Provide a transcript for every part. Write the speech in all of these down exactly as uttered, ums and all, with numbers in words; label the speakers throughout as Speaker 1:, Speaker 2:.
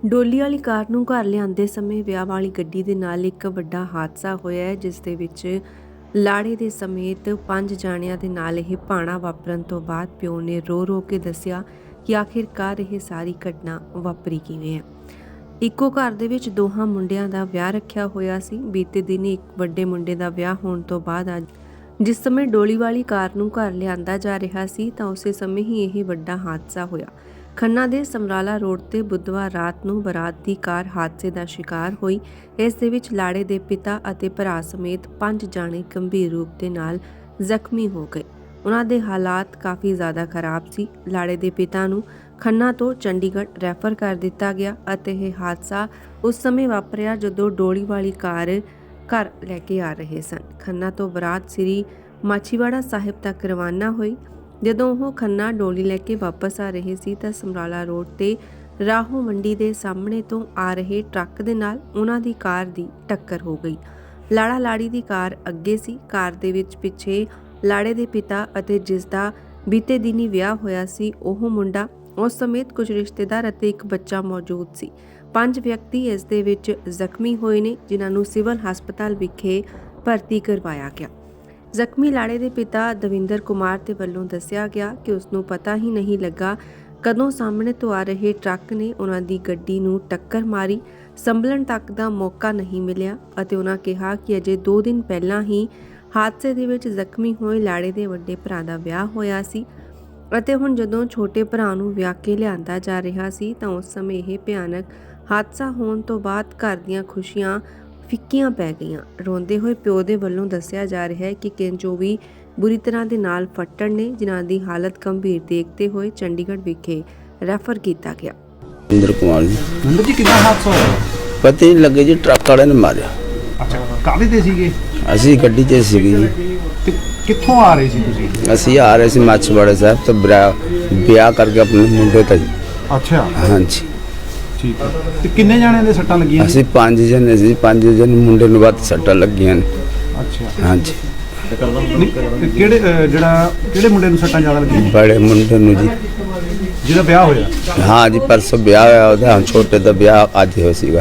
Speaker 1: ਡੋਲੀ ਵਾਲੀ ਕਾਰ ਨੂੰ ਘਰ ਲਿਆਉਂਦੇ ਸਮੇਂ ਵਿਆਹ ਵਾਲੀ ਗੱਡੀ ਦੇ ਨਾਲ ਇੱਕ ਵੱਡਾ ਹਾਦਸਾ ਹੋਇਆ ਹੈ, ਜਿਸ ਦੇ ਵਿੱਚ ਲਾੜੇ ਦੇ ਸਮੇਤ ਪੰਜ ਜਾਣਿਆਂ ਦੇ ਨਾਲ ਇਹ ਭਾਣਾ ਵਾਪਰਨ ਤੋਂ ਬਾਅਦ ਪਿਓ ਨੇ ਰੋ ਰੋ ਕੇ ਦੱਸਿਆ ਕਿ ਆਖਿਰਕਾਰ ਇਹ ਸਾਰੀ ਘਟਨਾ ਵਾਪਰੀ ਕਿਵੇਂ ਹੈ। ਇੱਕੋ ਘਰ ਦੇ ਵਿੱਚ ਦੋਹਾਂ ਮੁੰਡਿਆਂ ਦਾ ਵਿਆਹ ਰੱਖਿਆ ਹੋਇਆ ਸੀ। ਬੀਤੇ ਦਿਨ ਇੱਕ ਵੱਡੇ ਮੁੰਡੇ ਦਾ ਵਿਆਹ ਹੋਣ ਤੋਂ ਬਾਅਦ ਅੱਜ ਜਿਸ ਸਮੇਂ ਡੋਲੀ ਵਾਲੀ ਕਾਰ ਨੂੰ ਘਰ ਲਿਆਂਦਾ ਜਾ ਰਿਹਾ ਸੀ ਤਾਂ ਉਸੇ ਸਮੇਂ ਹੀ ਇਹ ਵੱਡਾ ਹਾਦਸਾ ਹੋਇਆ। ਖੰਨਾ ਦੇ ਸਮਰਾਲਾ ਰੋਡ ਤੇ ਬੁੱਧਵਾਰ ਰਾਤ ਨੂੰ ਬਰਾਤ ਦੀ ਕਾਰ ਹਾਦਸੇ ਦਾ ਸ਼ਿਕਾਰ ਹੋਈ। ਇਸ ਦੇ ਵਿੱਚ ਲਾੜੇ ਦੇ ਪਿਤਾ ਅਤੇ ਭਰਾ ਸਮੇਤ ਪੰਜ ਜਾਣੇ ਗੰਭੀਰ ਰੂਪ ਦੇ ਨਾਲ ਜ਼ਖਮੀ ਹੋ ਗਏ। ਉਹਨਾਂ ਦੇ ਹਾਲਾਤ ਕਾਫੀ ਜ਼ਿਆਦਾ ਖਰਾਬ ਸੀ। ਲਾੜੇ ਦੇ ਪਿਤਾ ਨੂੰ ਖੰਨਾ ਤੋਂ ਚੰਡੀਗੜ੍ਹ ਰੈਫਰ ਕਰ ਦਿੱਤਾ ਗਿਆ ਅਤੇ ਇਹ ਹਾਦਸਾ ਉਸ ਸਮੇਂ ਵਾਪਰਿਆ ਜਦੋਂ ਡੋਲੀ ਵਾਲੀ ਕਾਰ ਘਰ ਲੈ ਕੇ ਆ ਰਹੇ ਸਨ। ਖੰਨਾ ਤੋਂ ਬਰਾਤ ਸ੍ਰੀ ਮਾਛੀਵਾੜਾ ਸਾਹਿਬ ਤੱਕ ਰਵਾਨਾ ਹੋਈ। ਜਦੋਂ ਉਹ ਖੰਨਾ ਡੋਲੀ ਲੈ ਕੇ ਵਾਪਸ ਆ ਰਹੇ ਸੀ ਤਾਂ ਸਮਰਾਲਾ ਰੋਡ ਤੇ ਰਾਹੋਂ ਮੰਡੀ ਦੇ ਸਾਹਮਣੇ ਤੋਂ ਆ ਰਹੇ ਟਰੱਕ ਦੇ ਨਾਲ ਉਹਨਾਂ ਦੀ ਕਾਰ ਦੀ ਟੱਕਰ ਹੋ ਗਈ। ਲਾੜਾ ਲਾੜੀ ਦੀ ਕਾਰ ਅੱਗੇ ਸੀ। ਕਾਰ ਦੇ ਵਿੱਚ ਪਿੱਛੇ ਲਾੜੇ ਦੇ ਪਿਤਾ ਅਤੇ ਜਿਸ ਦਾ ਬੀਤੇ ਦਿਨੀ ਵਿਆਹ ਹੋਇਆ ਸੀ ਉਹ ਮੁੰਡਾ, ਉਸ ਸਮੇਤ ਕੁਝ ਰਿਸ਼ਤੇਦਾਰ ਅਤੇ ਇੱਕ ਬੱਚਾ ਮੌਜੂਦ ਸੀ। ਪੰਜ ਵਿਅਕਤੀ ਇਸ ਦੇ ਵਿੱਚ ਜ਼ਖਮੀ ਹੋਏ ਨੇ, ਜਿਨ੍ਹਾਂ ਨੂੰ ਸਿਵਲ ਹਸਪਤਾਲ ਵਿਖੇ ਭਰਤੀ ਕਰਵਾਇਆ ਗਿਆ। ਜ਼ਖਮੀ ਲਾੜੇ ਦੇ ਪਿਤਾ ਦਵਿੰਦਰ ਕੁਮਾਰ ਦੇ ਵੱਲੋਂ ਦੱਸਿਆ ਗਿਆ ਕਿ ਉਸ ਨੂੰ ਪਤਾ ਹੀ ਨਹੀਂ ਲੱਗਾ ਕਦੋਂ ਸਾਹਮਣੇ ਤੋਂ ਆ ਰਹੇ ਟਰੱਕ ਨੇ ਉਹਨਾਂ ਦੀ ਗੱਡੀ ਨੂੰ ਟੱਕਰ ਮਾਰੀ। ਸੰਭਲਣ ਤੱਕ ਦਾ ਮੌਕਾ ਨਹੀਂ ਮਿਲਿਆ ਅਤੇ ਉਹਨਾਂ ਕਿਹਾ ਕਿ ਅਜੇ ਦੋ ਦਿਨ ਪਹਿਲਾਂ ਹੀ ਹਾਦਸੇ ਦੇ ਵਿੱਚ ਜ਼ਖਮੀ ਹੋਏ ਲਾੜੇ ਦੇ ਵੱਡੇ ਭਰਾ ਦਾ ਵਿਆਹ ਹੋਇਆ ਸੀ ਅਤੇ ਹੁਣ ਜਦੋਂ ਛੋਟੇ ਭਰਾ ਨੂੰ ਵਿਆਹ ਕੇ ਲਿਆਂਦਾ ਜਾ ਰਿਹਾ ਸੀ ਤਾਂ ਉਸ ਸਮੇਂ ਇਹ ਭਿਆਨਕ ਹਾਦਸਾ ਹੋਣ ਤੋਂ ਬਾਅਦ ਘਰ ਦੀਆਂ ਖੁਸ਼ੀਆਂ ਫਿੱਕੀਆਂ ਪੈ ਗਈਆਂ। ਰੋਂਦੇ ਹੋਏ ਪਿਓ ਦੇ ਵੱਲੋਂ ਦੱਸਿਆ ਜਾ ਰਿਹਾ ਹੈ ਕਿ ਕਿੰਜੋ ਵੀ ਬੁਰੀ ਤਰ੍ਹਾਂ ਦੇ ਨਾਲ ਫੱਟੜ ਨੇ, ਜਿਨ੍ਹਾਂ ਦੀ ਹਾਲਤ ਗੰਭੀਰ ਦੇਖਦੇ ਹੋਏ ਚੰਡੀਗੜ੍ਹ ਵਿਖੇ ਰੈਫਰ ਕੀਤਾ ਗਿਆ।
Speaker 2: ਇੰਦਰ ਕੁਮਾਰ ਜੀ।
Speaker 3: ਨੰਦਰ ਜੀ, ਕਿੰਨਾ ਹਾਦਸਾ ਹੋਇਆ?
Speaker 2: ਪਤਾ ਹੀ ਨਹੀਂ ਲੱਗੇ ਜੀ, ਟਰੱਕ ਵਾਲੇ ਨੇ ਮਾਰਿਆ।
Speaker 3: ਅੱਛਾ, ਕਾਹਦੇ ਤੇ ਸੀਗੇ?
Speaker 2: ਅਸੀਂ ਗੱਡੀ 'ਚ ਸੀਗੇ ਜੀ।
Speaker 3: ਤੇ ਕਿੱਥੋਂ ਆ ਰਹੇ ਸੀ ਤੁਸੀਂ?
Speaker 2: ਅਸੀਂ ਆ ਰਹੇ ਸੀ ਮਾਛੀਵਾੜਾ ਸਾਹਿਬ ਤੋਂ ਵਿਆਹ ਕਰਕੇ ਆਪਣੇ ਮੁੰਡੇ ਦਾ ਜੀ।
Speaker 3: ਅੱਛਾ,
Speaker 2: ਹਾਂਜੀ
Speaker 3: ਠੀਕ ਹੈ। ਤੇ ਕਿੰਨੇ ਜਾਣਿਆਂ ਦੇ ਸੱਟਾਂ ਲੱਗੀਆਂ?
Speaker 2: ਅਸੀਂ ਪੰਜ ਜਣੇ ਸੀ। ਪੰਜ ਜਣੇ ਮੁੰਡੇ ਨੂੰ ਵੱਧ ਸੱਟਾਂ ਲੱਗੀਆਂ ਨੇ।
Speaker 3: ਅੱਛਾ,
Speaker 2: ਹਾਂਜੀ।
Speaker 3: ਨਹੀਂ, ਤੇ ਕਿਹੜੇ ਅਹ, ਜਿਹੜਾ ਕਿਹੜੇ ਮੁੰਡੇ ਨੂੰ ਸੱਟਾਂ ਜ਼ਿਆਦਾ ਲੱਗੀਆਂ?
Speaker 2: ਬੜੇ ਮੁੰਡੇ ਨੂੰ ਜੀ,
Speaker 3: ਜਿਹਦਾ ਵਿਆਹ ਹੋਇਆ?
Speaker 2: ਹਾਂ ਜੀ, ਪਰਸੋਂ ਵਿਆਹ ਹੋਇਆ ਉਹਦਾ। ਹੁਣ ਛੋਟੇ ਦਾ ਵਿਆਹ ਅੱਜ ਹੋਇਆ ਸੀਗਾ।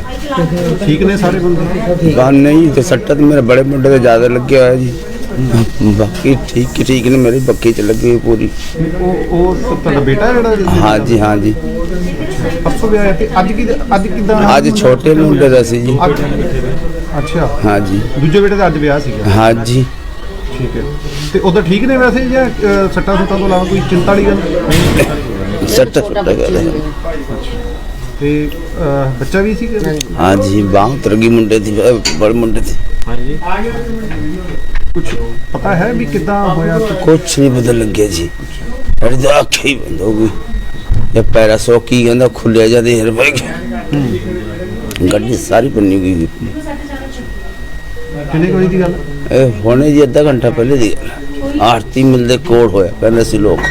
Speaker 3: ਠੀਕ ਨੇ ਸਾਰੇ ਬੰਦੇ?
Speaker 2: ਬਾਹਰ ਨਹੀਂ ਤੇ ਸੱਟਾਂ ਤਾਂ ਮੇਰੇ ਬੜੇ ਮੁੰਡੇ ਦੇ ਜ਼ਿਆਦਾ ਲੱਗੇ ਹੋਇਆ ਜੀ। ਬਾਕੀ ਠੀਕ ਠੀਕ ਨੇ, ਮੇਰੀ ਬੱਕੀ 'ਚ ਲੱਗੀ ਹੋਈ ਪੂਰੀ।
Speaker 3: ਉਹ ਉਹ ਤੁਹਾਡਾ ਬੇਟਾ ਹੈ ਜਿਹੜਾ?
Speaker 2: ਹਾਂ ਜੀ, ਹਾਂ ਜੀ।
Speaker 3: ਪਰਸੋਂ ਵਿਆਹ ਹੈ ਤੇ ਅੱਜ ਕੀ ਅੱਜ ਕਿੱਦਾਂ?
Speaker 2: ਅੱਜ ਛੋਟੇ ਮੁੰਡੇ ਦਾ ਸੀ ਜੀ।
Speaker 3: ਅੱਛਾ, ਹਾਂ
Speaker 2: ਜੀ।
Speaker 3: ਦੂਜੇ ਬੇਟੇ ਦਾ ਅੱਜ ਵਿਆਹ ਸੀਗਾ?
Speaker 2: ਹਾਂ ਜੀ।
Speaker 3: ਠੀਕ ਹੈ। ਤੇ ਉਧਰ ਠੀਕ ਨੇ ਵੈਸੇ ਜਾਂ ਅਹ, ਸੱਟਾਂ ਸੁੱਟਾਂ ਤੋਂ ਇਲਾਵਾ ਕੋਈ ਚਿੰਤਾ ਵਾਲੀ ਗੱਲ?
Speaker 2: ਸੱਟ ਸੁੱਟ ਗਏ।
Speaker 3: ਤੇ ਅਹ, ਬੱਚਾ ਵੀ ਸੀ?
Speaker 2: ਹਾਂ ਜੀ, ਬਾਹ ਉਤਰ ਗਈ ਮੁੰਡੇ ਦੀ, ਬੜੇ ਮੁੰਡੇ ਦੀ।
Speaker 3: ਹਾਂਜੀ, ਕੁਝ ਪਤਾ ਹੈ ਵੀ ਕਿੱਦਾਂ ਹੋਇਆ?
Speaker 2: ਕੁਛ ਨਹੀਂ ਪਤਾ ਲੱਗਿਆ ਜੀ। ਅਰੇ ਤਾਂ ਅੱਖ ਹੀ ਬੰਦ ਹੋ ਗਈ। ਇਹ ਪੈਰਾ ਸੋ ਕੀ ਕਹਿੰਦਾ ਖੁੱਲਿਆ ਜਾਂਦੇ ਹਰ ਪੈ ਗਿਆ। ਗੱਡੀ ਸਾਰੀ ਬੰਨੀ ਗਈ।
Speaker 3: ਕਿੰਨੇ ਕੋਈ ਦੀ ਗੱਲ?
Speaker 2: ਇਹ ਹੋਣੇ ਜੀ ਅੱਧਾ ਘੰਟਾ ਪਹਿਲੇ ਦੀ ਗੱਲ। ਆਰਤੀ ਮਿਲਦੇ ਕੋਲ ਹੋਇਆ ਪਹਿਲੇ ਸੀ ਲੋਕ।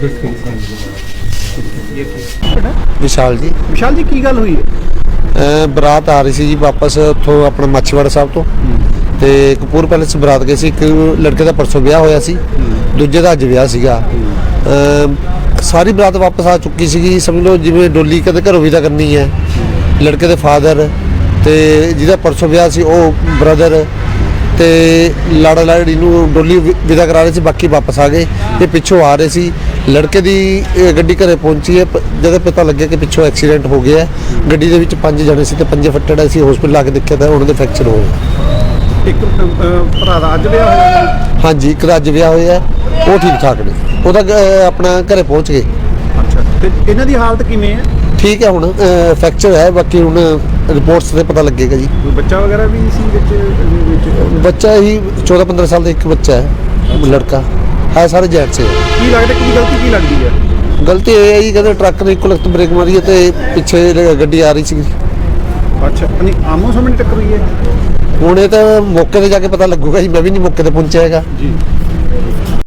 Speaker 4: ਵਿਸ਼ਾਲ ਜੀ।
Speaker 3: ਵਿਸ਼ਾਲ ਜੀ, ਕੀ ਗੱਲ ਹੋਈ ਹੈ?
Speaker 4: ਬਰਾਤ ਆ ਰਹੀ ਸੀ ਜੀ ਵਾਪਸ ਉੱਥੋਂ ਆਪਣਾ ਮਾਛੀਵਾੜਾ ਸਾਹਿਬ ਤੋਂ, ਤੇ ਕਪੂਰ ਪੈਲੇਸ ਬਰਾਤ ਗਏ ਸੀ। ਇੱਕ ਲੜਕੇ ਦਾ ਪਰਸੋਂ ਵਿਆਹ ਹੋਇਆ ਸੀ, ਦੂਜੇ ਦਾ ਅੱਜ ਵਿਆਹ ਸੀਗਾ। ਸਾਰੀ ਬਰਾਤ ਵਾਪਸ ਆ ਚੁੱਕੀ ਸੀਗੀ। ਸਮਝ ਲਓ ਜਿਵੇਂ ਡੋਲੀ ਕਦੇ ਘਰੋਂ ਵਿਦਾ ਕਰਨੀ ਹੈ। ਲੜਕੇ ਦੇ ਫਾਦਰ ਤੇ ਜਿਹਦਾ ਪਰਸੋਂ ਵਿਆਹ ਸੀ ਉਹ ਬ੍ਰਦਰ ਤੇ ਲਾੜਾ ਲਾੜੀ ਨੂੰ ਡੋਲੀ ਵਿਦਾ ਕਰਾ ਰਹੇ ਸੀ, ਬਾਕੀ ਵਾਪਸ ਆ ਗਏ। ਇਹ ਪਿੱਛੋਂ ਆ ਰਹੇ ਸੀ। ਲੜਕੇ ਦੀ ਗੱਡੀ ਘਰੇ ਪਹੁੰਚੀ ਹੈ ਜਦੋਂ ਪਤਾ ਲੱਗਿਆ ਕਿ ਪਿੱਛੋਂ ਐਕਸੀਡੈਂਟ ਹੋ ਗਿਆ। ਗੱਡੀ ਦੇ ਵਿੱਚ ਪੰਜ ਜਣੇ ਸੀ ਤੇ ਪੰਜੇ ਫੱਟੜ ਸੀ। ਹਸਪੀਟਲ ਆ ਕੇ ਦੇਖਿਆ ਤਾਂ ਉਹਨਾਂ ਦੇ ਫ੍ਰੈਕਚਰ ਹੋ ਗਏ।
Speaker 3: ਇੱਕ ਭਰਾ ਦਾ ਅੱਜ ਵਿਆਹ ਹੋਇਆ?
Speaker 4: ਹਾਂਜੀ, ਇੱਕ ਦਾ ਅੱਜ ਵਿਆਹ ਹੋਇਆ, ਉਹ ਠੀਕ ਠਾਕ ਨੇ। ਉਹਦਾ ਆਪਣਾ ਘਰੇ ਪਹੁੰਚ ਗਏ।
Speaker 3: ਅੱਛਾ, ਤੇ ਇਹਨਾਂ ਦੀ ਹਾਲਤ ਕਿਵੇਂ ਹੈ?
Speaker 4: ਠੀਕ ਹੈ, ਹੁਣ ਫ੍ਰੈਕਚਰ ਹੈ, ਬਾਕੀ ਹੁਣ ਰਿਪੋਰਟਸ ਤੇ ਪਤਾ ਲੱਗੇਗਾ ਜੀ।
Speaker 3: ਕੋਈ ਬੱਚਾ ਵਗੈਰਾ ਵੀ ਸੀ ਵਿੱਚ? ਵਿੱਚ
Speaker 4: ਬੱਚਾ ਹੀ ਚੌਦਾਂ ਪੰਦਰਾਂ ਸਾਲ ਦਾ ਇੱਕ ਬੱਚਾ ਹੈ, ਲੜਕਾ ਹੈ। ਸਾਰੇ ਜੈਂਟਸ ਹੈ।
Speaker 3: ਕੀ ਲੱਗਦਾ ਕਿ ਗਲਤੀ ਕੀ ਲੱਗਦੀ ਹੈ?
Speaker 4: ਗਲਤੀ ਇਹ ਹੈ ਜੀ, ਕਹਿੰਦੇ ਟਰੱਕ ਨੇ ਇੱਕੋ ਲਖਤ ਬ੍ਰੇਕ ਮਾਰੀ ਹੈ ਤੇ ਪਿੱਛੇ ਗੱਡੀ ਆ ਰਹੀ ਸੀ।
Speaker 3: ਅੱਛਾ, ਨਹੀਂ ਆਮੋ ਸਾਹਮਣੇ ਟੱਕਰ ਹੋਈ ਹੈ?
Speaker 4: ਹੁਣ ਇਹ ਤਾਂ ਮੌਕੇ ਤੇ ਜਾ ਕੇ ਪਤਾ ਲੱਗੂਗਾ ਜੀ, ਮੈਂ ਵੀ ਨਹੀਂ ਮੌਕੇ ਤੇ ਪਹੁੰਚਿਆ ਹੈਗਾ
Speaker 3: ਜੀ।